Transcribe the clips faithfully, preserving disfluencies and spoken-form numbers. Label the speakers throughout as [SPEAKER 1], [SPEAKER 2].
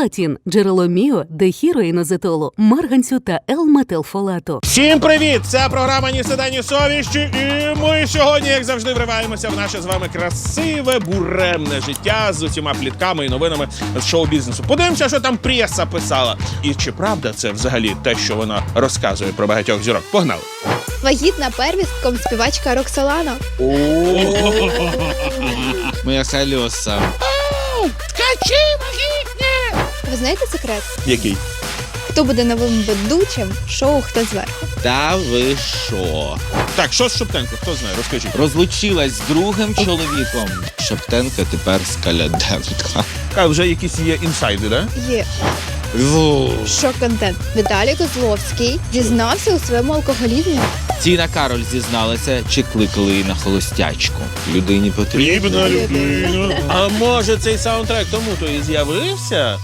[SPEAKER 1] Фолатін – джерело міо, дехіроїнозетолу, марганцю та Л-метилфолату.
[SPEAKER 2] Всім привіт! Це програма «Ні стида, ні совісті», і ми сьогодні, як завжди, вриваємося в наше з вами красиве, буремне життя з усіма плітками і новинами з шоу-бізнесу. Подивимося, що там преса писала. І чи правда це взагалі те, що вона розказує про багатьох зірок? Погнали!
[SPEAKER 3] Вагітна первістком співачка Роксолана.
[SPEAKER 4] Моя Хальоса.
[SPEAKER 2] Ткачі вагітні!
[SPEAKER 3] Ви знаєте секрет?
[SPEAKER 2] Який?
[SPEAKER 3] Хто буде новим ведучим шоу «Хто зверху»?
[SPEAKER 4] Та ви що?
[SPEAKER 2] Так, що з Шептенко? Хто знає? Розкажіть.
[SPEAKER 4] Розлучилась з другим чоловіком. Шептенка тепер Скаляденка.
[SPEAKER 2] А вже якісь є інсайди, да?
[SPEAKER 3] Є шок-контент. Віталій Козловський дізнався у своєму алкоголізмі.
[SPEAKER 4] Тіна Кароль зізналася, чи кликали її на холостячку. Людині потрібно.
[SPEAKER 2] Потрібна людина. А може цей саундтрек тому-то і з'явився?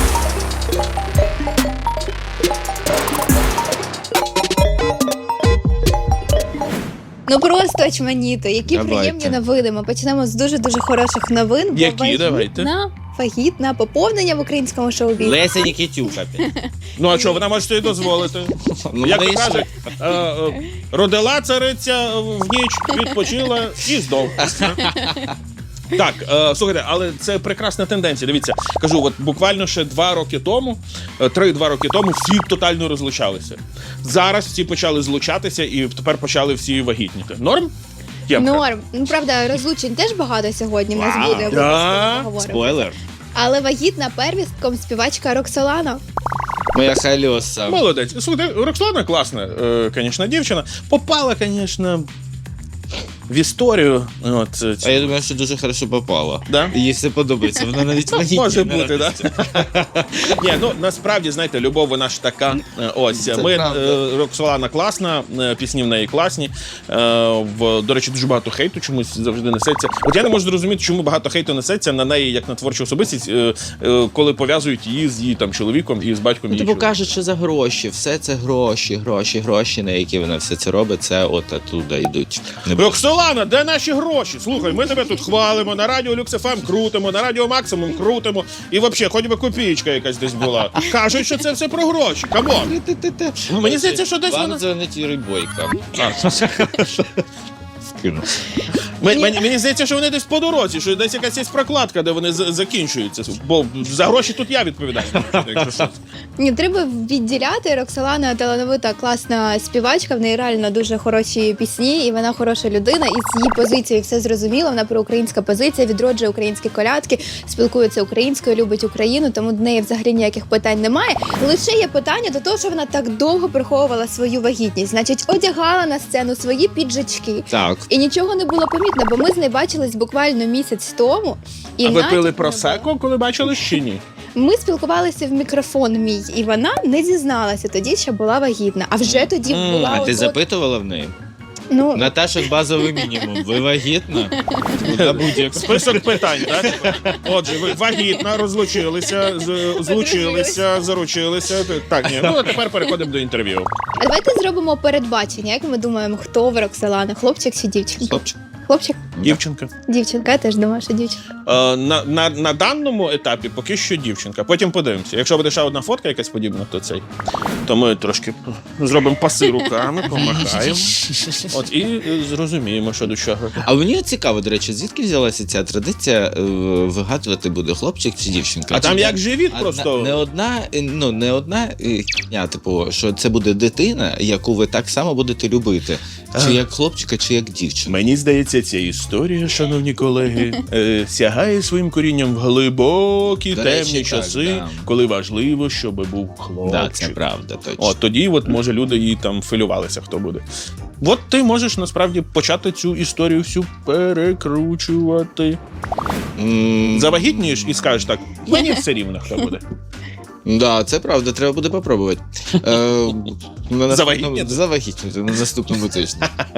[SPEAKER 3] Ну просто очманіто. Які
[SPEAKER 4] Давайте.
[SPEAKER 3] приємні новини. Ми почнемо з дуже-дуже хороших новин. бо
[SPEAKER 2] Які?
[SPEAKER 3] вагітна,
[SPEAKER 2] Давайте.
[SPEAKER 3] Вагітна, поповнення в українському шоу-бізнесі.
[SPEAKER 4] Леся Нікітюка.
[SPEAKER 2] Ну а що, вона може собі дозволити?
[SPEAKER 4] Ну,
[SPEAKER 2] Як то
[SPEAKER 4] вона і
[SPEAKER 2] кажуть, е, е, родила цариця в ніч, відпочила і здох. Так, е, слухайте, але це прекрасна тенденція. Дивіться, кажу, от буквально ще два роки тому, е, три-два роки тому всі тотально розлучалися. Зараз всі почали злучатися і тепер почали всі вагітніти. Норм? Ємка?
[SPEAKER 3] Норм. Ну, правда, розлучень теж багато сьогодні в нас
[SPEAKER 4] Вау.
[SPEAKER 3] буде.
[SPEAKER 2] Да?
[SPEAKER 3] обов'язково поговоримо.
[SPEAKER 4] Спойлер.
[SPEAKER 3] Але вагітна первістком співачка Роксолана.
[SPEAKER 4] Моя Хальоса.
[SPEAKER 2] Молодець. Слухайте, Роксолана класна, е, звісно, дівчина. Попала, звісно, в історію. От, е,
[SPEAKER 4] А я думаю, що дуже хорошо попала.
[SPEAKER 2] Да?
[SPEAKER 4] Їй все подобається. Вона навіть вагітна.
[SPEAKER 2] Може бути, так? Ні, ну насправді, знаєте, любов вона ж така. Е, Ось
[SPEAKER 4] Це
[SPEAKER 2] ми
[SPEAKER 4] правда.
[SPEAKER 2] е, Роксолана класна, е, пісні в неї класні. Е, В до речі, дуже багато хейту чомусь завжди несеться. От я не можу зрозуміти, чому багато хейту несеться на неї як на творчу особистість, е, е, коли пов'язують її з її там чоловіком і з батьком
[SPEAKER 4] Ну,
[SPEAKER 2] її.
[SPEAKER 4] типу
[SPEAKER 2] чоловіка.
[SPEAKER 4] кажуть, що за гроші. Все це гроші, гроші, гроші, на які вона все це робить. Це от оттуда йдуть. Не
[SPEAKER 2] Роксолана, де наші гроші? Слухай, ми тебе тут хвалимо, на радіо Люкс еф ем крутимо, на радіо Максимум крутимо. І взагалі, хоч би копієчка якась десь була. Кажуть, що це все про гроші. Камон. Мені здається, що десь
[SPEAKER 4] Вам
[SPEAKER 2] вона...
[SPEAKER 4] дзвонить Юрій Бойко. Скину.
[SPEAKER 2] Мен- Мені, мені здається, що вони десь по дорозі, що десь якась є прокладка, де вони з- закінчуються. Бо за гроші тут я відповідаю. Якщо що.
[SPEAKER 3] Ні, треба відділяти. Роксолана талановита, класна співачка, в неї реально дуже хороші пісні, і вона хороша людина, і з її позиції все зрозуміло. Вона проукраїнська позиція, відроджує українські колядки, спілкується українською, любить Україну, тому до неї взагалі ніяких питань немає. Лише є питання до того, що вона так довго приховувала свою вагітність. Значить, одягала на сцену свої піджачки.
[SPEAKER 4] Так.
[SPEAKER 3] І нічого не було помітно, бо ми з нею бачились буквально місяць тому. І
[SPEAKER 2] А ви
[SPEAKER 3] натяку
[SPEAKER 2] пили
[SPEAKER 3] не
[SPEAKER 2] просеко, коли бачили чи ні?
[SPEAKER 3] ми спілкувалися в мікрофон мій, і вона не зізналася тоді, що була вагітна. А вже тоді
[SPEAKER 2] М,
[SPEAKER 3] була
[SPEAKER 4] А ти
[SPEAKER 3] от-
[SPEAKER 4] запитувала в неї?
[SPEAKER 3] ну,
[SPEAKER 4] Наташа, базовий мінімум. Ви вагітна? На будь-яку.
[SPEAKER 2] Список питань, так? Отже, ви вагітна, розлучилися, з- злучилися, заручилися. Так, ні. Ну, а тепер переходимо до інтерв'ю.
[SPEAKER 3] а давайте зробимо передбачення. Як ми думаємо, хто в Роксолана? Хлопчик чи дівчинка?
[SPEAKER 4] Хлопчик.
[SPEAKER 3] Хлопчик?
[SPEAKER 2] Дівчинка.
[SPEAKER 3] Дівчинка, я теж думаю, що дівчинка.
[SPEAKER 2] Е, на, на, на даному етапі поки що дівчинка. Потім подивимося. Якщо буде ще одна фотка якась подібна, то цей. То ми трошки зробимо паси руками, помахаємо. От і е, зрозуміємо, що до чого.
[SPEAKER 4] А мені цікаво, до речі, звідки взялася ця традиція е, вигадувати, буде хлопчик чи дівчинка?
[SPEAKER 2] А там
[SPEAKER 4] Чи
[SPEAKER 2] як живіт
[SPEAKER 4] одна-
[SPEAKER 2] просто.
[SPEAKER 4] Не одна, е, ну, не одна е, хня, типу, що це буде дитина, яку ви так само будете любити. Чи як хлопчика, чи як дівчинка.
[SPEAKER 2] Мені здається, ця історія, шановні колеги, е, сягає своїм корінням в глибокі
[SPEAKER 4] До
[SPEAKER 2] темні
[SPEAKER 4] речі, так,
[SPEAKER 2] часи,
[SPEAKER 4] да.
[SPEAKER 2] коли важливо, щоб був хлопчик.
[SPEAKER 4] Да, це правда, точно.
[SPEAKER 2] От тоді, от може, люди її там філювалися, хто буде. От ти можеш насправді почати цю історію всю перекручувати.
[SPEAKER 4] М,
[SPEAKER 2] Завагітнієш і скажеш так: мені все рівно, хто буде.
[SPEAKER 4] Да, це правда, треба буде попробувати. Е, на наступному-
[SPEAKER 2] Завагітніти?
[SPEAKER 4] Завагітніти на наступному тижні.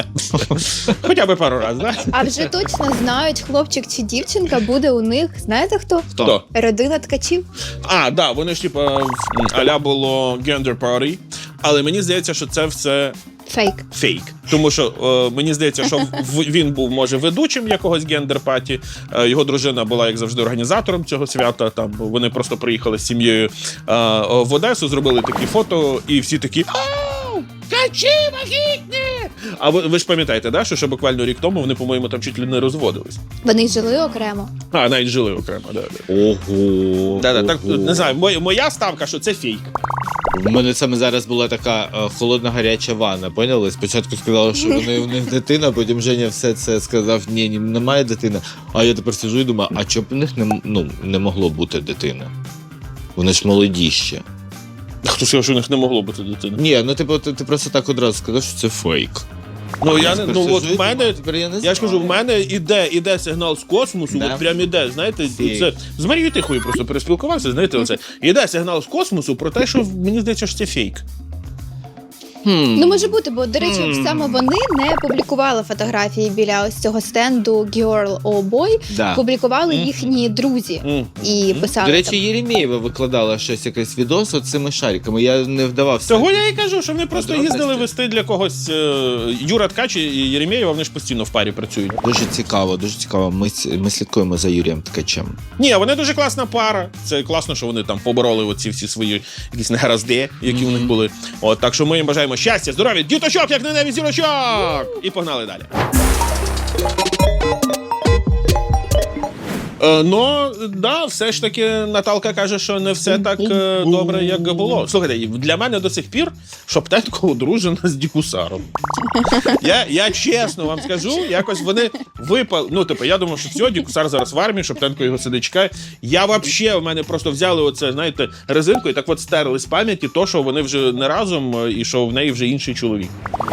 [SPEAKER 2] Хоча б пару разів, так?
[SPEAKER 3] А вже точно знають, хлопчик чи дівчинка буде у них. Знаєте хто?
[SPEAKER 2] Хто?
[SPEAKER 3] Родина ткачів.
[SPEAKER 2] А, да, вони ж типа в- аля було gender party, але мені здається, що це все
[SPEAKER 3] Фейк.
[SPEAKER 2] Фейк. Тому що е, мені здається, що в, він був, може, ведучим якогось гендер-паті, е, його дружина була, як завжди, організатором цього свята. Там вони просто приїхали з сім'єю е, в Одесу, зробили такі фото, і всі такі «Ау! Качі вагітні!» А ви, ви ж пам'ятаєте, да, що ще буквально рік тому вони, по-моєму, там чуть ли не розводились.
[SPEAKER 3] Вони жили окремо.
[SPEAKER 2] А, навіть жили окремо, да. да.
[SPEAKER 4] Ого.
[SPEAKER 2] Да, да, так,
[SPEAKER 4] ого.
[SPEAKER 2] не знаю, моя, моя ставка, що це фейк.
[SPEAKER 4] У мене саме зараз була така е, холодна гаряча ванна, поняли? Спочатку сказали, що вони у них дитина, потім Женя все це сказав, ні, ні, немає дитини. А я тепер сиджу і думаю, а чому б у них не, ну, не могло бути дитини? Вони ж молоді ще.
[SPEAKER 2] Хто сказав, що у них не могло бути дитини?
[SPEAKER 4] Ні, ну типу, ти, ти просто так одразу сказав, що це фейк.
[SPEAKER 2] Ну, я не,
[SPEAKER 4] Тепер
[SPEAKER 2] ну,
[SPEAKER 4] сиджу
[SPEAKER 2] от
[SPEAKER 4] і
[SPEAKER 2] в мене,
[SPEAKER 4] думаю, тепер я не
[SPEAKER 2] я ж кажу, в
[SPEAKER 4] знаю.
[SPEAKER 2] мене іде, іде сигнал з космосу,
[SPEAKER 4] Да.
[SPEAKER 2] от прям іде, знаєте,
[SPEAKER 4] Фейк.
[SPEAKER 2] це, з Марією Тихою просто переспілкувався, знаєте, оце, іде сигнал з космосу про те, що мені здається, що це фейк.
[SPEAKER 4] Хм.
[SPEAKER 3] Ну, може бути, бо, до речі,
[SPEAKER 4] Мгм.
[SPEAKER 3] саме вони не публікували фотографії біля ось цього стенду Girl or Boy,
[SPEAKER 4] Да.
[SPEAKER 3] публікували
[SPEAKER 2] Мгм.
[SPEAKER 3] їхні друзі
[SPEAKER 2] Мгм.
[SPEAKER 3] і писали
[SPEAKER 4] До речі,
[SPEAKER 3] там.
[SPEAKER 4] Єремєєва викладала щось, якийсь відос от цими шариками. Я не вдавався.
[SPEAKER 2] Того я і кажу, що вони просто
[SPEAKER 4] Подробності.
[SPEAKER 2] їздили вести для когось е, Юра Ткач і Єремєєва, вони ж постійно в парі працюють.
[SPEAKER 4] Дуже цікаво, дуже цікаво. Ми, с- ми слідкуємо за Юрієм Ткачем.
[SPEAKER 2] Ні, вони дуже класна пара. Це класно, що вони там побороли оці всі свої якісь негаразди, які у них були. От, так що ми їм бажаємо щастя, здоров'я, діточок, як на небі зірочок! І погнали далі. Е, ну, да, все ж таки Наталка каже, що не все так е, добре, як було. Слухайте, для мене до сих пір Шоптенко одружена з Дікусаром. Я, я чесно вам скажу, якось вони випали. Ну, типу, я думав, що все, Дікусар зараз в армії, Шоптенко його сидить чекає. Я взагалі, в мене просто взяли оце, знаєте, резинку і так от стерли з пам'яті то, що вони вже не разом е, і що в неї вже інший чоловік.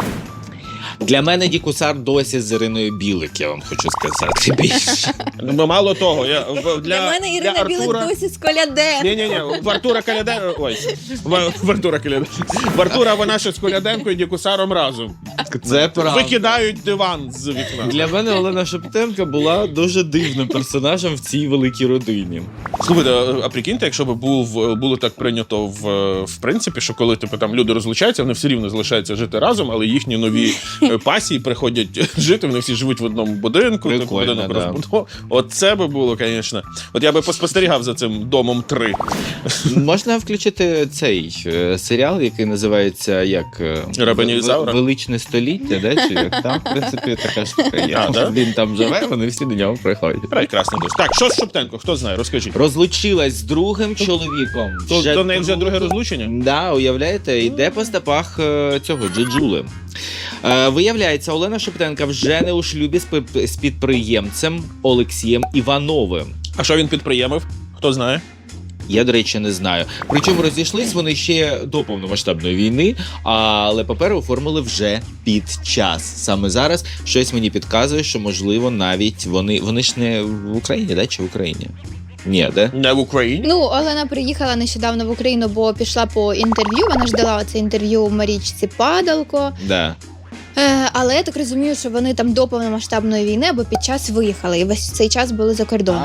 [SPEAKER 4] Для мене Дікусар досі з Іриною Білик, я вам хочу сказати більше.
[SPEAKER 2] Ну, мало того, я, в- для,
[SPEAKER 3] Для мене Ірина
[SPEAKER 2] для
[SPEAKER 3] Білик
[SPEAKER 2] Артура...
[SPEAKER 3] досі з Колядем.
[SPEAKER 2] Ні-ні-ні, в Артура Каляде... Ой, в, в Артура Каляде... В Артура вона ще з Коляденко і Дікусаром разом.
[SPEAKER 4] Це правда.
[SPEAKER 2] Викидають диван з вікна.
[SPEAKER 4] Для мене Олена Шептенко була дуже дивним персонажем в цій великій родині.
[SPEAKER 2] Слухайте, а прикиньте, якщо б був, було так прийнято в, в принципі, що коли типу, там люди розлучаються, вони все рівно залишаються жити разом, але їхні нові е, пасії приходять жити, вони всі живуть в одному будинку, типу,
[SPEAKER 4] Прикольно,
[SPEAKER 2] будинок
[SPEAKER 4] да.
[SPEAKER 2] розбудов. От це би було, звісно. От я би поспостерігав за цим домом три.
[SPEAKER 4] Можна включити цей е, серіал, який називається як е,
[SPEAKER 2] Рабиня
[SPEAKER 4] В-
[SPEAKER 2] Ізаура?
[SPEAKER 4] Величне століття, да? Чи як там, в принципі, така штука є.
[SPEAKER 2] А, да?
[SPEAKER 4] Він там живе, вони всі до нього приходять.
[SPEAKER 2] Прекрасно дуже. Так, що з Шоптенко? Хто знає? Розкажіть.
[SPEAKER 4] Розлучилась з другим чоловіком.
[SPEAKER 2] То,
[SPEAKER 4] Вже
[SPEAKER 2] до неї вже друге
[SPEAKER 4] друге-
[SPEAKER 2] розлучення?
[SPEAKER 4] Да, уявляєте, йде по стопах е, цього Джеджули. Е, виявляється, Олена Шептенка вже не у шлюбі з, пи- з підприємцем Олексієм Івановим.
[SPEAKER 2] А що він підприємив? Хто знає?
[SPEAKER 4] Я, до речі, не знаю. Причому розійшлись вони ще до повномасштабної війни, але папери оформили вже під час. Саме зараз щось мені підказує, що, можливо, навіть вони, вони ж не в Україні, да? Чи в Україні? Ні, да?
[SPEAKER 2] Не в Україні?
[SPEAKER 3] Ну, Олена приїхала нещодавно в Україну, бо пішла по інтерв'ю. Вона ж дала це інтерв'ю Марічці Падалко.
[SPEAKER 4] Да.
[SPEAKER 3] Е, але я так розумію, що вони там до повномасштабної війни або під час виїхали, і весь цей час були за кордоном.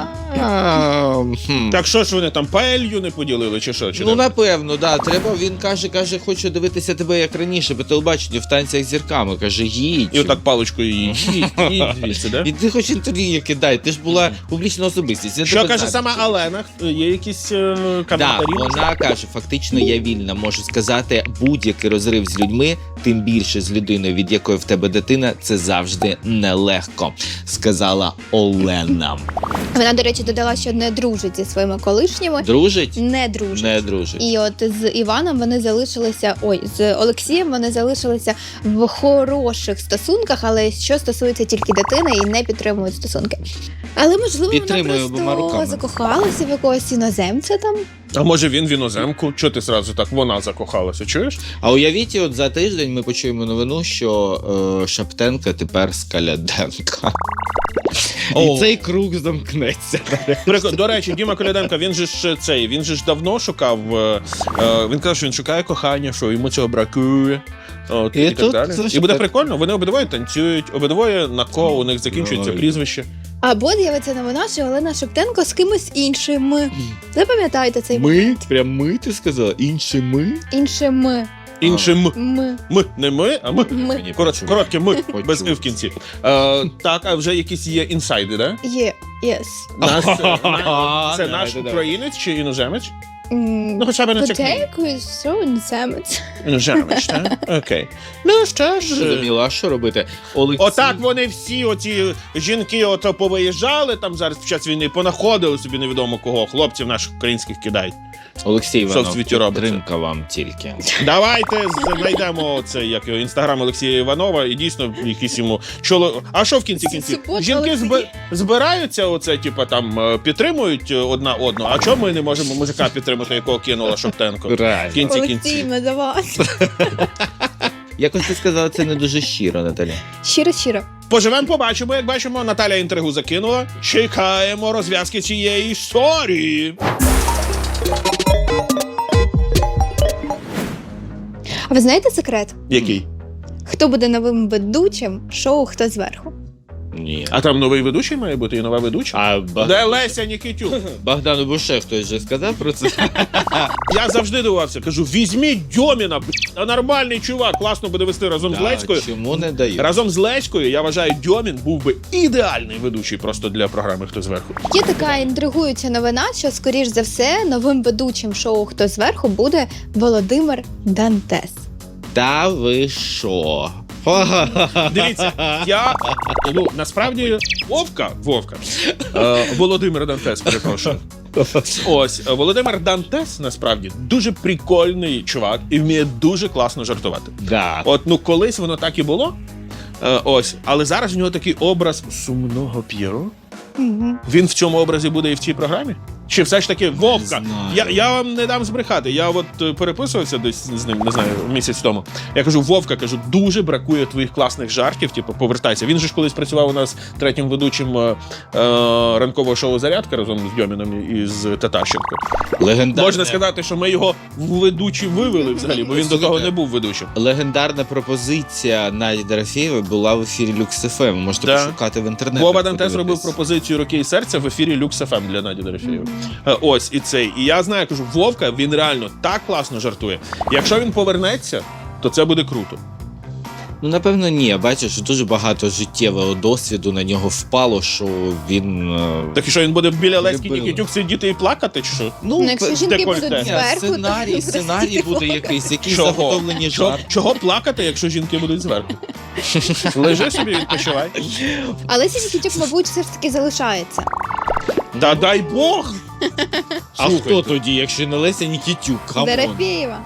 [SPEAKER 4] А, хм.
[SPEAKER 2] Так що ж вони там паелью не поділили, чи що? Чи
[SPEAKER 4] Ну,
[SPEAKER 2] не?
[SPEAKER 4] напевно, да. Треба, він каже, каже, хочу дивитися тебе як раніше, по телебаченню в танцях з зірками. Каже, їдь.
[SPEAKER 2] І отак паличкою її. Їдь, їдь звідси, да?
[SPEAKER 4] І ти хоч інтерв'ю кидай, ти ж була публічна особистість. я
[SPEAKER 2] Що
[SPEAKER 4] тебе
[SPEAKER 2] каже
[SPEAKER 4] знаю.
[SPEAKER 2] сама Алена? Є якісь е,
[SPEAKER 4] Так,
[SPEAKER 2] коментарі?
[SPEAKER 4] вона каже, фактично я вільна, можу сказати, будь-який розрив з людьми, тим більше з людиною, від якої в тебе дитина, це завжди нелегко, сказала Олена.
[SPEAKER 3] Вона, до речі, додала, що не дружить зі своїми колишніми.
[SPEAKER 4] Дружить?
[SPEAKER 3] Не дружить.
[SPEAKER 4] Не дружить.
[SPEAKER 3] І от з Іваном вони залишилися, ой, з Олексієм вони залишилися в хороших стосунках, але що стосується тільки дитини і не підтримують стосунки. Але можливо
[SPEAKER 4] Підтримую
[SPEAKER 3] вона
[SPEAKER 4] обома
[SPEAKER 3] просто
[SPEAKER 4] руками.
[SPEAKER 3] закохалася в якогось іноземця там.
[SPEAKER 2] А може він в іноземку? Чого ти зразу так? Вона закохалася, чуєш?
[SPEAKER 4] А уявіть, от за тиждень ми почуємо новину, що е, Шептенка тепер з Каляденка.
[SPEAKER 2] О.
[SPEAKER 4] І цей круг замкнеться.
[SPEAKER 2] Прик- До речі, Діма Коляденко, він же ж цей, він же ж давно шукав, е, е, він казав, що він шукає кохання, що йому цього бракує. От,
[SPEAKER 4] І
[SPEAKER 2] і, так
[SPEAKER 4] тут
[SPEAKER 2] далі.
[SPEAKER 4] це ж
[SPEAKER 2] І буде
[SPEAKER 4] так.
[SPEAKER 2] прикольно, вони обидвоє танцюють, обидвоє на ко, у них закінчується
[SPEAKER 4] Ой.
[SPEAKER 2] прізвище.
[SPEAKER 3] Або з'явиться новина, що Олена Шептенко з кимось іншим. Запам'ятайте цей
[SPEAKER 4] Ми? Прям ми, ти сказала? Інші ми?
[SPEAKER 3] іншим.
[SPEAKER 2] Іншим
[SPEAKER 3] Ми.
[SPEAKER 2] ми, не ми, а ми.
[SPEAKER 3] Ми.
[SPEAKER 4] Мені
[SPEAKER 2] Коротше,
[SPEAKER 4] почув.
[SPEAKER 2] коротке ми,
[SPEAKER 4] Почув.
[SPEAKER 2] без і в кінці. Е, так, а вже якісь є інсайди, да?
[SPEAKER 3] Є. Єс.
[SPEAKER 2] Нас, е, на- це
[SPEAKER 4] Давайте,
[SPEAKER 2] наш
[SPEAKER 4] давайте.
[SPEAKER 2] українець чи іноземець?
[SPEAKER 3] М,
[SPEAKER 2] Ну, хоча б не чекай.
[SPEAKER 3] Подейкую, що іноземець.
[SPEAKER 2] Іноземець, так? Окей. Ну, що ж.
[SPEAKER 4] Зрозуміло, а що робити? Олексій.
[SPEAKER 2] Отак вони всі, оці жінки, ото повиїжджали там зараз під час війни, понаходили собі невідомо кого, хлопців наших українських кидають.
[SPEAKER 4] Олексій
[SPEAKER 2] Що в
[SPEAKER 4] Іванов,
[SPEAKER 2] світі робиться?
[SPEAKER 4] підтримка вам тільки.
[SPEAKER 2] Давайте знайдемо цей як його інстаграм Олексія Іванова і дійсно якісь йому чоло. А що в кінці кінці?
[SPEAKER 3] Субота,
[SPEAKER 2] Жінки
[SPEAKER 3] Олексій.
[SPEAKER 2] зби... збираються, оце, типа там е, підтримують е, одна одну. А чому ми не можемо мужика підтримати, якого кинула Шоптенко? В
[SPEAKER 4] Реально.
[SPEAKER 2] кінці
[SPEAKER 3] Олексій,
[SPEAKER 2] кінці.
[SPEAKER 3] ми за вас.
[SPEAKER 4] Якось ти сказала, це не дуже щиро, Наталя.
[SPEAKER 3] Щиро-щиро.
[SPEAKER 2] Поживемо, побачимо. Як бачимо, Наталя інтригу закинула. Чекаємо розв'язки цієї історії.
[SPEAKER 3] А ви знаєте секрет?
[SPEAKER 2] Який?
[SPEAKER 3] Хто буде новим ведучим шоу «Хто зверху»?
[SPEAKER 4] Ні.
[SPEAKER 2] А там новий ведучий має бути і нова ведуча?
[SPEAKER 4] А Баг...
[SPEAKER 2] Де Леся Нікітюк?
[SPEAKER 4] Богдану Буше хтось вже сказав про це?
[SPEAKER 2] Я завжди дивувався. Кажу, візьміть Дьоміна, б***ь, а нормальний чувак, класно буде вести разом з
[SPEAKER 4] Так,
[SPEAKER 2] Леською.
[SPEAKER 4] чому не дають?
[SPEAKER 2] Разом з Леською, я вважаю, Дьомін був би ідеальний ведучий просто для програми «Хто зверху».
[SPEAKER 3] Є така інтригуюча новина, що, скоріш за все, новим ведучим шоу «Хто зверху» буде Володимир Дантес.
[SPEAKER 4] Та ви що?
[SPEAKER 2] Дивіться, я, ну, насправді, Вовка, Вовка, е, Володимир Дантес, перепрошую. Ось, е, Володимир Дантес, насправді, дуже прикольний чувак і вміє дуже класно жартувати.
[SPEAKER 4] Да.
[SPEAKER 2] От, ну, колись воно так і було, е, ось, але зараз в нього такий образ сумного П'єро.
[SPEAKER 3] Угу.
[SPEAKER 2] Він в цьому образі буде і в цій програмі? Чи все ж таки Вовка?
[SPEAKER 4] знаю.
[SPEAKER 2] Я, я вам не дам збрехати. Я от е, переписувався десь з ним, не знаю, місяць тому. Я кажу, Вовка, кажу, дуже бракує твоїх класних жартів. Типу, повертайся. Він же ж колись працював у нас третім ведучим е, е, ранкового шоу «Зарядка» разом з Дьоміном і з Татащенко.
[SPEAKER 4] Легендарне...
[SPEAKER 2] Можна сказати, що ми його в ведучі вивели взагалі, бо він до того не був ведучим.
[SPEAKER 4] Легендарна пропозиція Наді Дорофєєвої була в ефірі Люкс еф ем. Можете
[SPEAKER 2] Да.
[SPEAKER 4] пошукати в інтернеті.
[SPEAKER 2] Вова Дантес робив
[SPEAKER 4] подивитись.
[SPEAKER 2] пропозицію «Руки і серця» в ефірі Люкс еф ем для Наді Дорофєєвої. Е, Ось і цей. І я знаю, кажу, Вовка, він реально так класно жартує. Якщо він повернеться, то це буде круто.
[SPEAKER 4] Ну, напевно, ні. Бачиш, дуже багато життєвого досвіду на нього впало, що він... е,
[SPEAKER 2] Так і що він буде біля Леськи
[SPEAKER 4] Любили.
[SPEAKER 2] Нікітюк сидіти і плакати, чи що?
[SPEAKER 3] Ну, якщо
[SPEAKER 4] пе-
[SPEAKER 3] жінки
[SPEAKER 2] декольте.
[SPEAKER 3] будуть
[SPEAKER 2] Ні,
[SPEAKER 3] зверху,
[SPEAKER 4] сценарій,
[SPEAKER 3] то
[SPEAKER 4] сценарій
[SPEAKER 3] простіть,
[SPEAKER 4] буде
[SPEAKER 3] Вова.
[SPEAKER 4] якийсь, якісь
[SPEAKER 2] Чого?
[SPEAKER 4] заготовлені
[SPEAKER 2] Чого,
[SPEAKER 4] жарти.
[SPEAKER 2] чого плакати, якщо жінки будуть зверху? Лежи собі, відпочивай.
[SPEAKER 3] Але Сісітюк, мабуть, все ж таки залишається.
[SPEAKER 2] Та дай Бог!
[SPEAKER 4] А
[SPEAKER 2] Слухайте.
[SPEAKER 4] хто тоді, якщо не Леся Нікітюк? Камон.
[SPEAKER 3] Дорофєєва.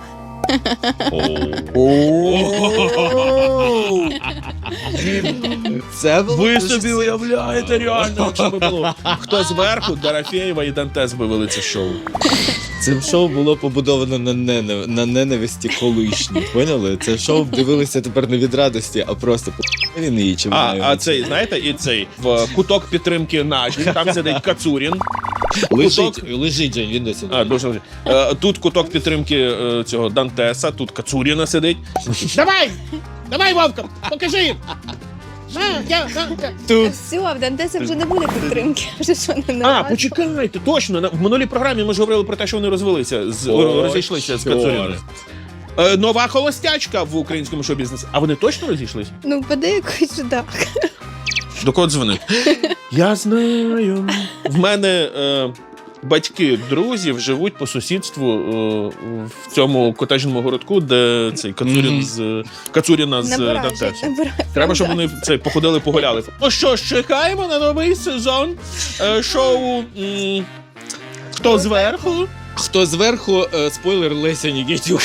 [SPEAKER 4] Це було
[SPEAKER 2] Ви
[SPEAKER 4] дуже
[SPEAKER 2] собі уявляєте реально, якщо би було. Хто зверху, Дорофєєва і Дантес би вели це шоу.
[SPEAKER 4] Це шоу було побудовано на, ненав... на ненависті колишній. Поняли? Це шоу дивилися тепер не від радості, а просто по він її чи
[SPEAKER 2] А,
[SPEAKER 4] вона
[SPEAKER 2] а
[SPEAKER 4] його.
[SPEAKER 2] цей, знаєте, і цей в куток підтримки Наді, там сидить Кацурін.
[SPEAKER 4] лежить,
[SPEAKER 2] куток-
[SPEAKER 4] лежить Жень, він досі.
[SPEAKER 2] А, дуже лежить. Е, Тут куток підтримки е, цього Дантеса, тут Кацуріна сидить. Давай! Давай, Вовка, покажи їм! На, я, на, я.
[SPEAKER 4] Тут
[SPEAKER 3] Все, в Дантеса вже не буде підтримки. Вже що не
[SPEAKER 2] А,
[SPEAKER 3] нормально.
[SPEAKER 2] почекайте, точно. на- В минулій програмі ми ж говорили про те, що вони розвелися, з,
[SPEAKER 4] О,
[SPEAKER 2] розійшлися з
[SPEAKER 4] чорт.
[SPEAKER 2] Кацуріною. Е, Нова холостячка в українському шоу-бізнесі. А вони точно розійшлись?
[SPEAKER 3] Ну, подейкують, що так.
[SPEAKER 2] До кого дзвонить? Я знаю. В мене е, батьки друзів живуть по сусідству е, в цьому котеджному городку, де цей Кацурін
[SPEAKER 4] Мгм.
[SPEAKER 2] з Кацуріна з
[SPEAKER 3] Набирай,
[SPEAKER 2] Дантесом.
[SPEAKER 3] набирай.
[SPEAKER 2] Треба, щоб вони це походили, погуляли. Ну що ж, чекаємо на новий сезон е, шоу м, «Хто зверху?».
[SPEAKER 4] хто зверху, е, спойлер Леся Нікітюк.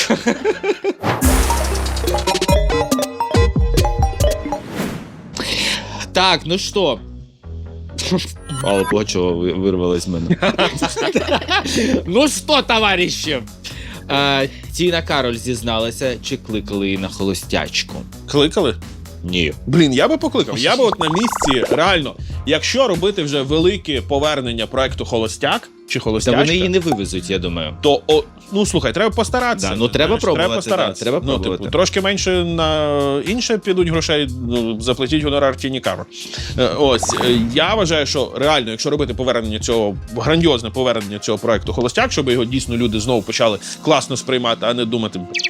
[SPEAKER 4] Так, ну що? Алла Пугачова ви- вирвалась з мене. Ну що, товариші? Е, Тіна Кароль зізналася, чи кликали її на холостячку?
[SPEAKER 2] Кликали?
[SPEAKER 4] Ні.
[SPEAKER 2] Блін, я би покликав. Я би от на місці, реально, якщо робити вже велике повернення проекту «Холостяк» чи
[SPEAKER 4] Та
[SPEAKER 2] «Холостячка»,
[SPEAKER 4] вони її не вивезуть, я думаю.
[SPEAKER 2] то, о, ну слухай, треба постаратися.
[SPEAKER 4] Да, ну, треба
[SPEAKER 2] знаєш,
[SPEAKER 4] пробувати,
[SPEAKER 2] Треба постаратися.
[SPEAKER 4] да, треба
[SPEAKER 2] ну,
[SPEAKER 4] пробувати.
[SPEAKER 2] типу, трошки менше на інше підуть грошей, ну, заплатіть гонорар Тіні Кароль. Е, Ось, е, я вважаю, що реально, якщо робити повернення цього, грандіозне повернення цього проекту «Холостяк», щоб його дійсно люди знову почали класно сприймати, а не думати,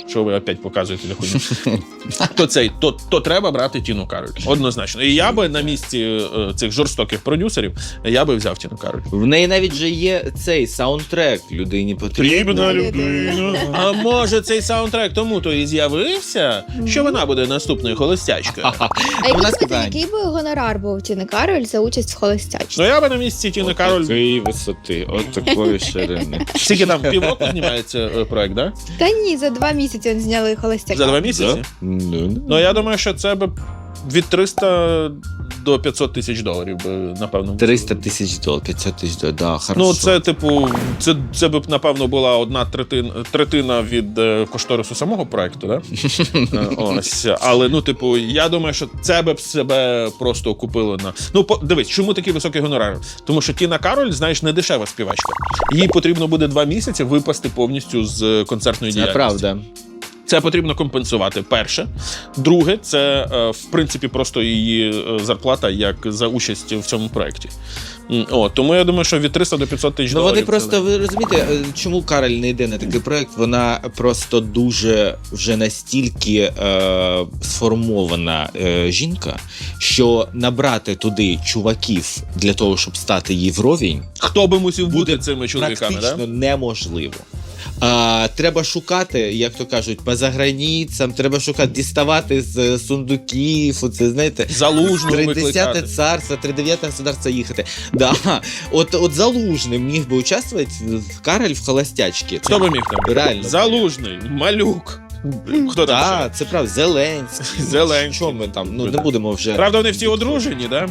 [SPEAKER 2] що ви опять показуєте хуйню, то цей, то, то треба брати Тіну Кароль. Однозначно. І я би на місці е, цих жорстоких продюсерів, я би взяв Тіну Кароль.
[SPEAKER 4] В неї навіть же є цей саундтрек людині потрібно.
[SPEAKER 2] Потрібна людина. А може цей саундтрек тому то і з'явився, що вона буде наступною холостячкою.
[SPEAKER 3] А
[SPEAKER 4] Вона
[SPEAKER 3] який,
[SPEAKER 4] сказала,
[SPEAKER 3] би- який би гонорар був у Тіни Кароль за участь в холостячці?
[SPEAKER 2] Ну я би на місці Тіни Кароль.
[SPEAKER 4] Такої висоти, от такої ширини.
[SPEAKER 2] Скільки там півроку знімається е, проект, да?
[SPEAKER 3] Та ні, за два місяці вони зняли холостяка.
[SPEAKER 2] За два місяці?
[SPEAKER 4] Да? Ну,
[SPEAKER 2] Ну я думаю, що це би від триста до п'ятсот тисяч доларів би, напевно.
[SPEAKER 4] триста тисяч доларів, п'ятсот тисяч доларів, да, хорошо.
[SPEAKER 2] Ну, це, типу, це, це б, напевно, була одна третина, третина від е, кошторису самого проекту, да? Е, Ось. Але, ну, типу, я думаю, що це б себе просто купило на... Ну, по, дивись, чому такий високий гонорар? Тому що Тіна Кароль, знаєш, не дешева співачка. Їй потрібно буде два місяці випасти повністю з концертної
[SPEAKER 4] Це
[SPEAKER 2] діяльності.
[SPEAKER 4] правда.
[SPEAKER 2] Це потрібно компенсувати. Перше. Друге, це, е, в принципі, просто її е, зарплата як за участь в цьому проєкті. М, О, тому я думаю, що від триста до п'ятсот тисяч
[SPEAKER 4] Ну
[SPEAKER 2] доларів.
[SPEAKER 4] вони
[SPEAKER 2] це-
[SPEAKER 4] просто, ви розумієте, е, чому Кароль не йде на такий проект? Вона просто дуже вже настільки е, сформована е, жінка, що набрати туди чуваків для того, щоб стати їй вровень,
[SPEAKER 2] Хто би мусив бути
[SPEAKER 4] буде
[SPEAKER 2] цими чоловіками,
[SPEAKER 4] практично
[SPEAKER 2] да?
[SPEAKER 4] неможливо. А, треба шукати, як то кажуть, по заграницям, треба шукати, діставати з сундуків, оце, знаєте,
[SPEAKER 2] Залужного
[SPEAKER 4] тридцяте
[SPEAKER 2] викликати.
[SPEAKER 4] царство, тридев'яте государство їхати. Да. От, от Залужний міг би участвувати в Кароль в холостячці.
[SPEAKER 2] Хто би міг там?
[SPEAKER 4] Реально.
[SPEAKER 2] Залужний, Малюк. Хто там
[SPEAKER 4] Так, це правда, Зеленський.
[SPEAKER 2] Зеленський.
[SPEAKER 4] Що ми там, ну не будемо вже...
[SPEAKER 2] Правда, вони всі одружені, да?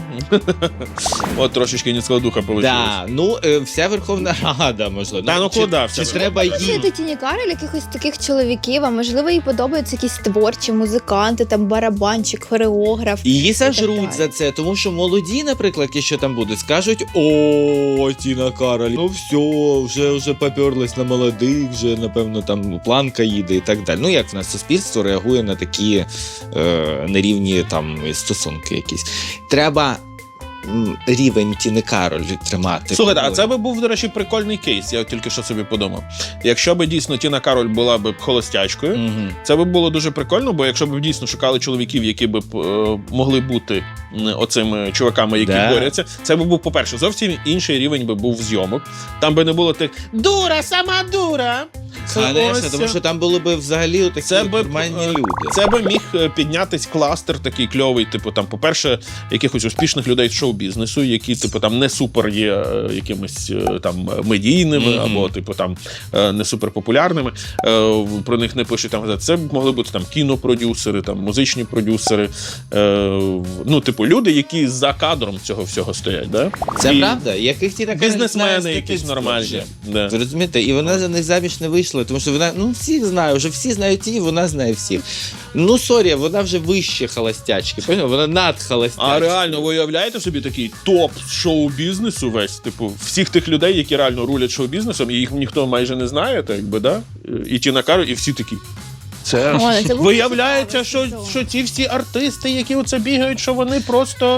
[SPEAKER 2] От трошечки низького духа вийшло.
[SPEAKER 4] Да, ну е, вся Верховна Рада, можливо.
[SPEAKER 2] Да, ну
[SPEAKER 4] чи,
[SPEAKER 2] куди вся
[SPEAKER 4] чи
[SPEAKER 2] Верховна
[SPEAKER 4] треба
[SPEAKER 2] Рада?
[SPEAKER 4] їм?
[SPEAKER 3] Слухайте Тіні Кароль якихось таких чоловіків, а можливо їй подобаються якісь творчі музиканти, там барабанщик, хореограф.
[SPEAKER 4] І її
[SPEAKER 3] І так
[SPEAKER 4] сожруть
[SPEAKER 3] далі.
[SPEAKER 4] за це, тому що молоді, наприклад, якщо там будуть, скажуть: о, Тіна Кароль, ну все, вже, вже поперлась на молодих, вже, напевно, там планка їде і так далі. Ну, як в нас суспільство реагує на такі е, нерівні там стосунки якісь. Треба м, рівень Тіни Кароль тримати.
[SPEAKER 2] Слухайте, а це би був, до речі, прикольний кейс, я тільки що собі подумав. Якщо б дійсно Тіна Кароль була б холостячкою,
[SPEAKER 4] Мгм.
[SPEAKER 2] це би було дуже прикольно, бо якщо б дійсно шукали чоловіків, які б е, могли бути м, оцими чуваками, які
[SPEAKER 4] Да.
[SPEAKER 2] борються, це б був, по-перше, зовсім інший рівень би був зйомок. Там би не було тих «дура, сама дура».
[SPEAKER 4] Конечно,
[SPEAKER 2] Ось,
[SPEAKER 4] тому що там були б взагалі такі
[SPEAKER 2] Це би,
[SPEAKER 4] нормальні
[SPEAKER 2] е,
[SPEAKER 4] люди.
[SPEAKER 2] Це би міг е, піднятись кластер такий кльовий, типу там, по-перше, якихось успішних людей з шоу-бізнесу, які, типу, там не супер є е, якимись е, там медійними,
[SPEAKER 4] Мгм.
[SPEAKER 2] або типу там е, не супер популярними. Е, Про них не пишуть там газети. Це б могли бути там кінопродюсери, там музичні продюсери. Е, Ну, типу, люди, які за кадром цього всього стоять. Да?
[SPEAKER 4] Це
[SPEAKER 2] І
[SPEAKER 4] правда, яких Тіна Кароль знає з
[SPEAKER 2] Бізнесмени якісь
[SPEAKER 4] дитинства
[SPEAKER 2] нормальні.
[SPEAKER 4] вже.
[SPEAKER 2] Да.
[SPEAKER 4] Ви розумієте? І вона за них заміж не вийшла, тому що вона, ну, всіх знає, вже всі знають її, вона знає всіх. Ну, сорі, вона вже вище холостячки, поняв? Вона над холостячки.
[SPEAKER 2] А реально, ви уявляєте собі такий топ шоу-бізнесу весь, типу, всіх тих людей, які реально рулять шоу-бізнесом, і їх ніхто майже не знає, так якби, да? І Тіна Кароль, і всі такі. Це
[SPEAKER 3] О, ну це було
[SPEAKER 2] виявляється,
[SPEAKER 3] цікаво,
[SPEAKER 2] що,
[SPEAKER 3] цікаво.
[SPEAKER 2] що ці всі артисти, які оце бігають, що вони просто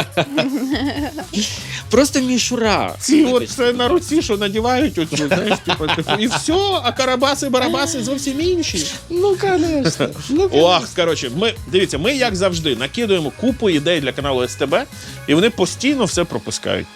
[SPEAKER 4] Просто мішура.
[SPEAKER 2] ці от це на руці, що надівають оцю, знаєш, типу, типу, і все, а карабаси-барабаси зовсім інші.
[SPEAKER 4] Ну, конечно. Ну,
[SPEAKER 2] Ох, коротше, ми дивіться, ми як завжди накидуємо купу ідей для каналу ес те бе, і вони постійно все пропускають.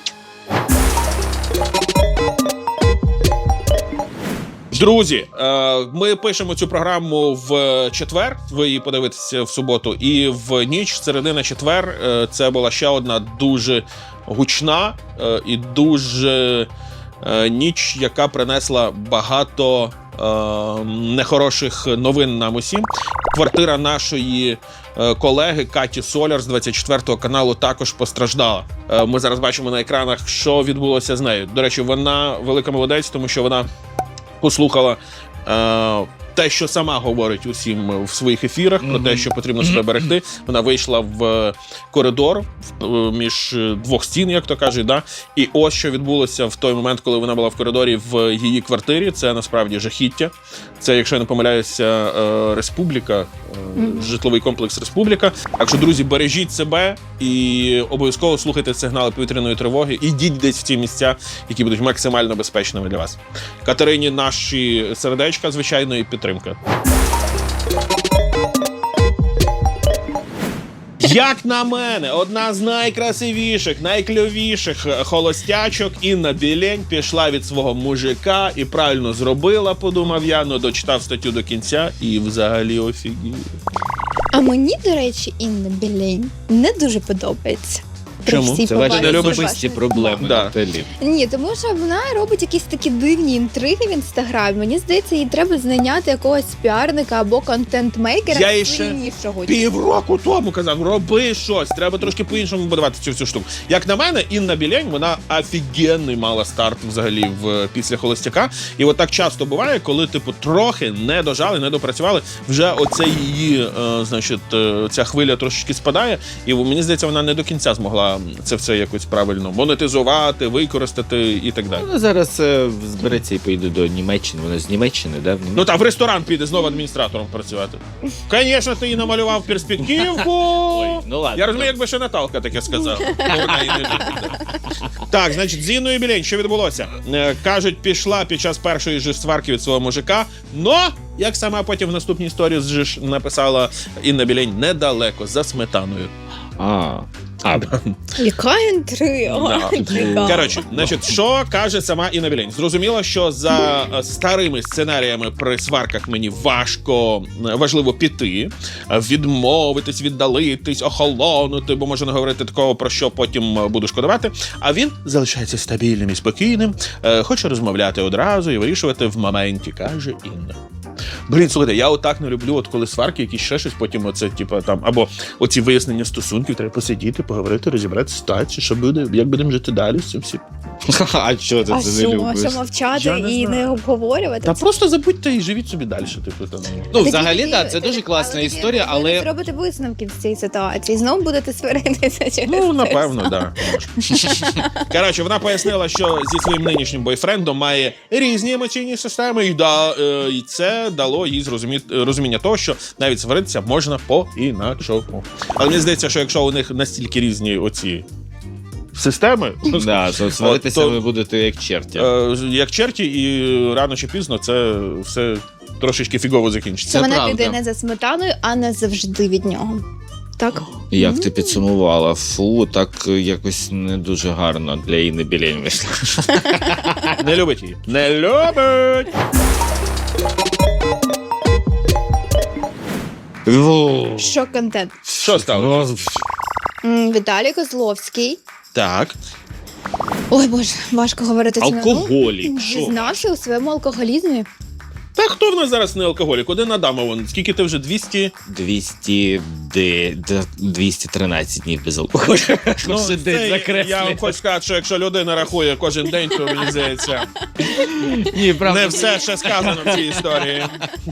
[SPEAKER 2] Друзі, е, ми пишемо цю програму в четвер. Ви її подивитеся в суботу, і в ніч, середи на четвер, е, це була ще одна дуже гучна е, і дуже е, ніч, яка принесла багато е, нехороших новин нам усім. Квартира нашої е, колеги Каті Соляр з двадцять четвертого каналу також постраждала. Е, Ми зараз бачимо на екранах, що відбулося з нею. До речі, вона велика молодець, тому що вона послухала е, те, що сама говорить усім в своїх ефірах, про те, що потрібно себе берегти. Вона вийшла в коридор в, е, між двох стін, як то кажуть, да? І ось що відбулося в той момент, коли вона була в коридорі в її квартирі. Це насправді жахіття. Це, якщо я не помиляюся, е, Республіка, е, житловий комплекс Республіка. Так що, друзі, бережіть себе і обов'язково слухайте сигнали повітряної тривоги. Ідіть десь в ті місця, які будуть максимально безпечними для вас. Катерині наші сердечка, звичайно, і підтримка. Як на мене, одна з найкрасивіших, найкльовіших холостячок Інна Білень пішла від свого мужика і правильно зробила, подумав я, но дочитав статтю до кінця і взагалі офігів.
[SPEAKER 3] А мені, до речі, Інна Білень не дуже подобається. При
[SPEAKER 2] Чому?
[SPEAKER 3] всій
[SPEAKER 4] Це ваші
[SPEAKER 3] повазі
[SPEAKER 2] не любиш
[SPEAKER 3] до
[SPEAKER 4] особисті
[SPEAKER 3] вашої
[SPEAKER 4] проблеми,
[SPEAKER 2] Да.
[SPEAKER 4] Наталі.
[SPEAKER 3] Ні, тому що вона робить якісь такі дивні інтриги в інстаграмі. Мені здається, їй треба знайняти якогось піарника або контент-мейкера
[SPEAKER 2] Я їй ще
[SPEAKER 3] сильнішого.
[SPEAKER 2] Півроку тому казав, роби щось, треба трошки по-іншому будувати цю всю штуку. Як на мене, Інна Білень, вона офігенний мала старт взагалі в після холостяка. І от так часто буває, коли типу трохи не дожали, не допрацювали, вже оце її, е, значить, е, ця хвиля трошечки спадає, і мені здається, вона не до кінця змогла це все якось правильно монетизувати, використати і так далі.
[SPEAKER 4] Вона зараз е, збереться і поїде до Німеччини. Вона з Німеччини, да?
[SPEAKER 2] Ну та в ресторан піде знову адміністратором працювати. Звісно, ти їй намалював перспективку.
[SPEAKER 4] Ой, ну ладно.
[SPEAKER 2] Я розумію, якби ще Наталка таке сказала. Ну, вона і не буде. Так, значить, з Інною Білень, що відбулося? Е, Кажуть, пішла під час першої ж сварки від свого мужика, но, як сама потім в наступній історії ж написала Інна Білень, недалеко, за сметаною.
[SPEAKER 4] А, а,
[SPEAKER 3] Яка інтрига?
[SPEAKER 2] Да. Коротше, значить, що каже сама Інна Білень? Зрозуміло, що за е, старими сценаріями при сварках мені важко, е, важливо піти, е, відмовитись, віддалитись, охолонути, бо може не говорити такого, про що потім е, буду шкодувати. А він залишається стабільним і спокійним, е, хоче розмовляти одразу і вирішувати в моменті, каже Інна. Блін, слухайте, я отак не люблю, от коли сварки, якісь ще щось, потім оце, типу, там, або оці вияснення стосунків, треба посидіти, поговорити, розібрати ситуацію, що буде, як будемо жити далі з цим всім.
[SPEAKER 4] а що ти
[SPEAKER 3] А
[SPEAKER 4] це не
[SPEAKER 3] що,
[SPEAKER 4] любиш?
[SPEAKER 3] що мовчати
[SPEAKER 2] Я не
[SPEAKER 3] і
[SPEAKER 2] знаю.
[SPEAKER 3] не обговорювати?
[SPEAKER 2] Та просто забудьте і живіть собі далі, типу, там.
[SPEAKER 4] Ну,
[SPEAKER 3] Тоді-
[SPEAKER 4] взагалі,
[SPEAKER 3] тоді-
[SPEAKER 4] так, це
[SPEAKER 3] тоді-
[SPEAKER 4] дуже класна
[SPEAKER 3] але тоді
[SPEAKER 4] історія,
[SPEAKER 3] ви не
[SPEAKER 4] але
[SPEAKER 3] зробите висновків з цієї ситуації. Знову будете сваритися через
[SPEAKER 2] Ну,
[SPEAKER 3] це
[SPEAKER 2] напевно,
[SPEAKER 3] все.
[SPEAKER 2] так. Да. Коротше, вона пояснила, що зі своїм нинішнім бойфрендом має різні емоційні системи, і, да, е, і це дало їй зрозумі- розуміння того, що навіть сваритися можна по-інакшому. Але мені здається, що якщо у них настільки різні оці системи,
[SPEAKER 4] да, то сваритися
[SPEAKER 2] то-
[SPEAKER 4] ви будете як черті.
[SPEAKER 2] е, як черті, і рано чи пізно це все трошечки фігово закінчиться.
[SPEAKER 3] Що вона
[SPEAKER 4] правда.
[SPEAKER 3] піде не за сметаною, а не завжди від нього. Так?
[SPEAKER 4] Як ти підсумувала? Фу, так якось не дуже гарно для Інни Білень вийшло.
[SPEAKER 2] Не любить її. Не любить!
[SPEAKER 3] Що контент?
[SPEAKER 2] Що стало?
[SPEAKER 3] М, Віталій Козловський.
[SPEAKER 2] Так.
[SPEAKER 3] Ой, боже, важко говорити це.
[SPEAKER 4] Алкоголік, що?
[SPEAKER 3] Зізнався у своєму алкоголізмі.
[SPEAKER 2] Та хто в нас зараз не алкоголік? Один Адама, вон. Скільки ти вже? двісті?
[SPEAKER 4] двісті, де- де- двісті тринадцять днів без алкоголю.
[SPEAKER 2] Ну,
[SPEAKER 4] Кожен день
[SPEAKER 2] це,
[SPEAKER 4] закреслює.
[SPEAKER 2] я вам хочу сказати, що якщо людина рахує кожен день, то мені здається,
[SPEAKER 4] Ні, правда.
[SPEAKER 2] не все ще сказано в цій історії.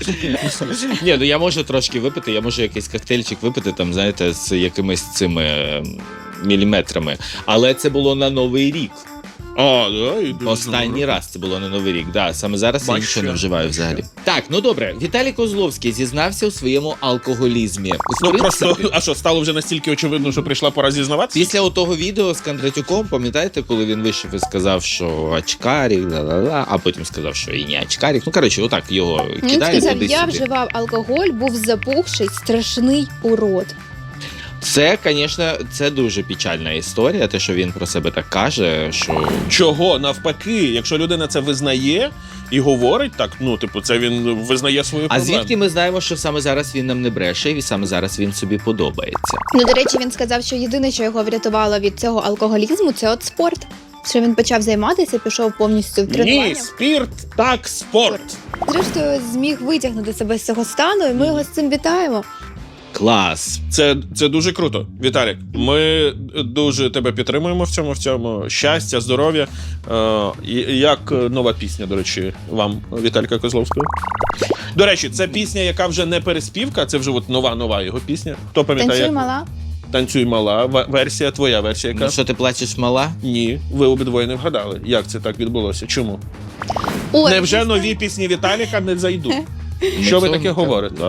[SPEAKER 4] Ні, ну я можу трошки випити, я можу якийсь коктейльчик випити, там, знаєте, з якимись цими ем, міліметрами. Але це було на Новий рік.
[SPEAKER 2] А, да, і дуже
[SPEAKER 4] Останній
[SPEAKER 2] добре.
[SPEAKER 4] раз це було на Новий рік. Да, саме зараз я
[SPEAKER 2] Бачу.
[SPEAKER 4] нічого не вживаю взагалі. Так, ну добре. Віталій Козловський зізнався у своєму алкоголізмі. В
[SPEAKER 2] Ну
[SPEAKER 4] принципі,
[SPEAKER 2] просто, а що, стало вже настільки очевидно, що прийшла пора зізнаватися?
[SPEAKER 4] після того відео з Кондратюком, пам'ятаєте, коли він вийшов і сказав, що очкарик, ла-ла-ла, а потім сказав, що і не очкарик. Ну, коротше, отак його
[SPEAKER 3] Він
[SPEAKER 4] кидають
[SPEAKER 3] сказав,
[SPEAKER 4] туди
[SPEAKER 3] я
[SPEAKER 4] сюди.
[SPEAKER 3] вживав алкоголь, був запухший, страшний урод.
[SPEAKER 4] Це, звісно, це дуже печальна історія, те, що він про себе так каже, що
[SPEAKER 2] Чого? Навпаки, якщо людина це визнає і говорить так, ну, типу, це він визнає свою
[SPEAKER 4] А
[SPEAKER 2] проблему.
[SPEAKER 4] звідки ми знаємо, що саме зараз він нам не бреше, і саме зараз він собі подобається?
[SPEAKER 3] Ну, до речі, він сказав, що єдине, що його врятувало від цього алкоголізму, це от спорт. Що він почав займатися, пішов повністю в тренування.
[SPEAKER 2] Ні, спірт, так, спорт.
[SPEAKER 3] Зрештою, зміг витягнути себе з цього стану, і ми його з цим вітаємо.
[SPEAKER 4] Клас!
[SPEAKER 2] Це, це дуже круто, Віталік. Ми дуже тебе підтримуємо в цьому, в цьому. Щастя, здоров'я. Е, і- як нова пісня, до речі, вам, Віталіка Козловського. До речі, це пісня, яка вже не переспівка, це вже от нова-нова його пісня. Хто пам'ятає?
[SPEAKER 3] Танцюй
[SPEAKER 2] як?
[SPEAKER 3] мала.
[SPEAKER 2] Танцюй мала. В- Версія, твоя версія яка?
[SPEAKER 4] Ну що, ти плачеш мала?
[SPEAKER 2] Ні, ви обидвоє не вгадали. Як це так відбулося? Чому?
[SPEAKER 3] Ой,
[SPEAKER 2] Невже
[SPEAKER 3] чесно.
[SPEAKER 2] нові пісні Віталіка не зайдуть? Що ви
[SPEAKER 4] Ну,
[SPEAKER 2] таке
[SPEAKER 4] це-
[SPEAKER 2] говорите?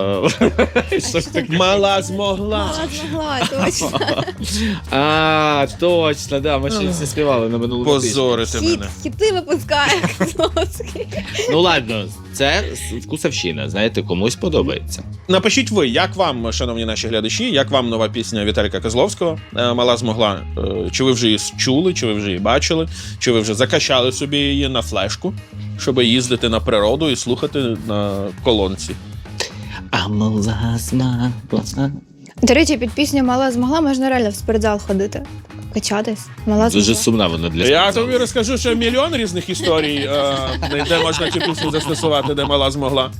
[SPEAKER 2] Мала змогла.
[SPEAKER 3] Мала змогла, точно.
[SPEAKER 4] А, точно, да, ми ще всі співали на минулому тижні.
[SPEAKER 2] Позорити
[SPEAKER 3] Хіт,
[SPEAKER 2] мене.
[SPEAKER 3] хіти випускає Козловський.
[SPEAKER 4] Ну ладно, це вкусовщина, знаєте, комусь подобається.
[SPEAKER 2] Напишіть ви, як вам, шановні наші глядачі, як вам нова пісня Віталіка Козловського е, «Мала змогла». Е, Чи ви вже її чули, чи ви вже її бачили, чи ви вже закачали собі її на флешку, щоб їздити на природу і слухати на колонці?
[SPEAKER 4] А мала змогла.
[SPEAKER 3] До речі, під пісню «Мала змогла» можна реально в спортзал ходити, качатись. Мала
[SPEAKER 4] Дуже
[SPEAKER 3] змогла.
[SPEAKER 4] сумна вона для
[SPEAKER 2] Я
[SPEAKER 4] спортзалу.
[SPEAKER 2] тобі розкажу, що мільйон різних історій, е, де можна цю пісню застосувати, де мала змогла.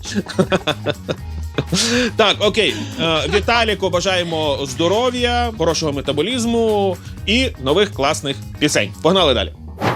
[SPEAKER 2] Так, окей. Е, Віталіку бажаємо здоров'я, хорошого метаболізму і нових класних пісень. Погнали далі.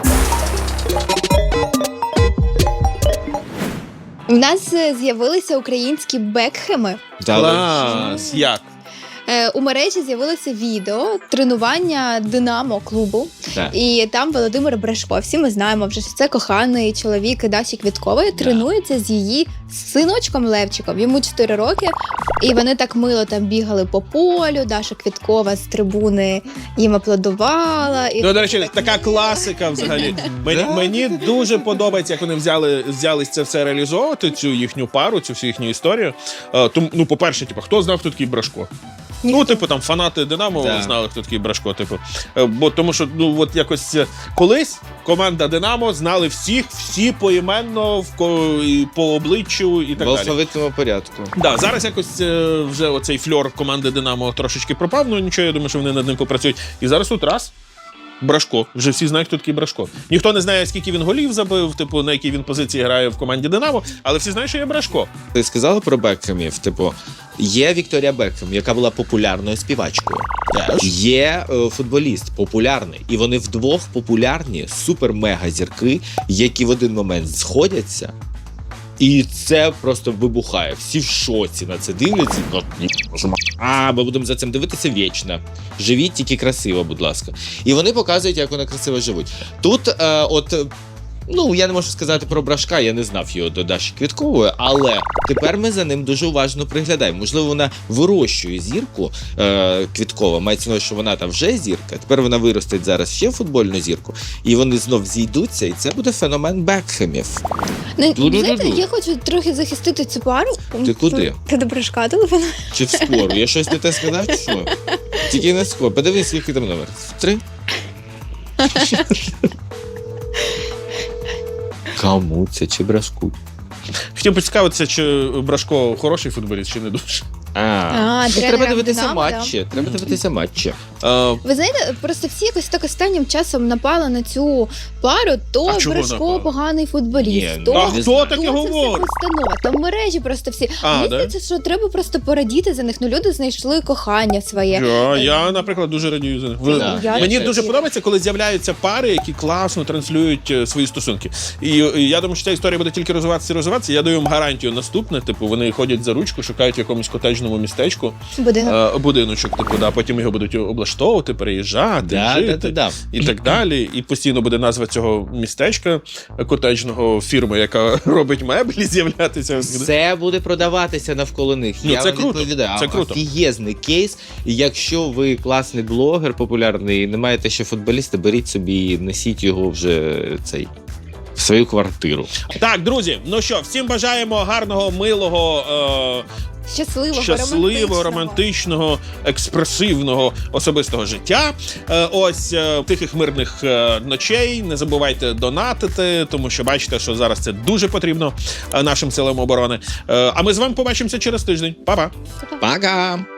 [SPEAKER 3] У нас е, з'явилися українські бекхеми.
[SPEAKER 4] Та,
[SPEAKER 2] Клас! Як?
[SPEAKER 3] Е, У мережі з'явилося відео тренування Динамо клубу.
[SPEAKER 4] Так.
[SPEAKER 3] І там Володимир Брешко, всі ми знаємо вже, що це коханий чоловік Даші Квіткової, тренується з її синочком Левчиком. Йому чотири роки, і вони так мило там бігали по полю. Даша Квіткова з трибуни їм аплодувала. І
[SPEAKER 2] Ну, до речі, така класика взагалі. Мені, мені дуже подобається, як вони взяли, взялись це все реалізовувати, цю їхню пару, цю всю їхню історію. Е, Тому, ну, по-перше, типу, хто знав, хто такий Брашко? Ну, типу, там фанати Динамо
[SPEAKER 4] Так.
[SPEAKER 2] знали, хто такий Брашко. Типу. Е, Бо тому що ну от якось е, колись команда Динамо знали всіх, всі поіменно в ко- і по обличчю і так
[SPEAKER 4] в
[SPEAKER 2] далі.
[SPEAKER 4] алфавітному порядку.
[SPEAKER 2] Да, зараз якось е, вже оцей фльор команди Динамо трошечки пропав. Ну нічого, я думаю, що вони над ним попрацюють. І зараз тут раз. Брашко. Вже всі знають, хто такий Брашко. Ніхто не знає, скільки він голів забив, типу, на якій він позиції грає в команді Динамо, але всі знають, що є Брашко.
[SPEAKER 4] Ти сказала про Бекхемів, типу, є Вікторія Бекхем, яка була популярною співачкою. Є е, футболіст популярний, і вони вдвох популярні супер-мега зірки, які в один момент сходяться. І це просто вибухає. Всі в шоці на це дивляться. А, ми будемо за цим дивитися вічно. Живіть тільки красиво, будь ласка. І вони показують, як вони красиво живуть. Тут, е, от, ну, я не можу сказати про Брашка, я не знав його до Даші Квіткової, але тепер ми за ним дуже уважно приглядаємо. Можливо, вона вирощує зірку е, Квіткова, мається на увазі, що вона там вже зірка, тепер вона виростить зараз ще футбольну зірку, і вони знов зійдуться, і це буде феномен Бекхемів.
[SPEAKER 3] Ну,
[SPEAKER 4] Ду-ду-ду-ду.
[SPEAKER 3] знаєте, я хочу трохи захистити цю пару.
[SPEAKER 4] Ти куди?
[SPEAKER 3] Ти до Брешка телефону.
[SPEAKER 4] Чи в скору? Я щось не те сказав, чи що? Тільки не скоро. Подивись, скільки там номер. Три? Кому це? Чи Брашку?
[SPEAKER 2] Хотів поцікавитися, чи Брашко хороший футболіст, чи не дуже.
[SPEAKER 4] А,
[SPEAKER 3] А,
[SPEAKER 4] ну,
[SPEAKER 3] тренером
[SPEAKER 4] треба дивитися
[SPEAKER 3] Динамо,
[SPEAKER 4] матчі. Треба дивитися матчі.
[SPEAKER 2] Е,
[SPEAKER 3] Ви знаєте, просто всі якось так останнім часом напали на цю пару, то
[SPEAKER 2] А чого
[SPEAKER 3] Брешко
[SPEAKER 2] напали?
[SPEAKER 3] поганий футболіст,
[SPEAKER 4] Ні,
[SPEAKER 3] то
[SPEAKER 4] ну,
[SPEAKER 2] а
[SPEAKER 4] не
[SPEAKER 2] хто
[SPEAKER 4] знаю.
[SPEAKER 2] таке
[SPEAKER 3] це все
[SPEAKER 2] говорить?
[SPEAKER 3] постанова. Там в мережі просто всі.
[SPEAKER 2] А,
[SPEAKER 3] Мені
[SPEAKER 2] да?
[SPEAKER 3] здається, що треба просто порадіти за них. Ну, люди знайшли кохання своє.
[SPEAKER 2] Я, я, наприклад, дуже радію за них. Ви-
[SPEAKER 4] Да.
[SPEAKER 3] Я
[SPEAKER 2] Мені
[SPEAKER 3] теж.
[SPEAKER 2] дуже подобається, коли з'являються пари, які класно транслюють е, свої стосунки. І, і я думаю, що ця історія буде тільки розвиватися і розвиватися. Я даю їм гарантію наступне. Типу, вони ходять за ручку, шукають в якомусь котеджному містечку
[SPEAKER 3] Будинок.
[SPEAKER 2] е, будиночок, типу, да, потім його будуть облаштовувати, переїжджати,
[SPEAKER 4] Да,
[SPEAKER 2] жити
[SPEAKER 4] да, да, да.
[SPEAKER 2] і так далі. І постійно буде назва цього містечка е, котеджного фірми, яка робить меблі, з'являтися.
[SPEAKER 4] Все буде продаватися навколо них.
[SPEAKER 2] Ну,
[SPEAKER 4] Я
[SPEAKER 2] це
[SPEAKER 4] вам
[SPEAKER 2] круто,
[SPEAKER 4] відповідаю.
[SPEAKER 2] це круто.
[SPEAKER 4] Офігезний кейс. І якщо ви класний блогер популярний і не маєте ще футболіста, беріть собі і несіть його вже цей в свою квартиру.
[SPEAKER 2] Так, друзі, ну що, всім бажаємо гарного, милого, е,
[SPEAKER 3] Щасливого,
[SPEAKER 2] щасливого,
[SPEAKER 3] романтичного.
[SPEAKER 2] романтичного, експресивного особистого життя. Е, Ось е, тихих мирних е, ночей. Не забувайте донатити, тому що бачите, що зараз це дуже потрібно е, нашим силам оборони. Е, А ми з вами побачимося через тиждень. Па-па!
[SPEAKER 4] Пока!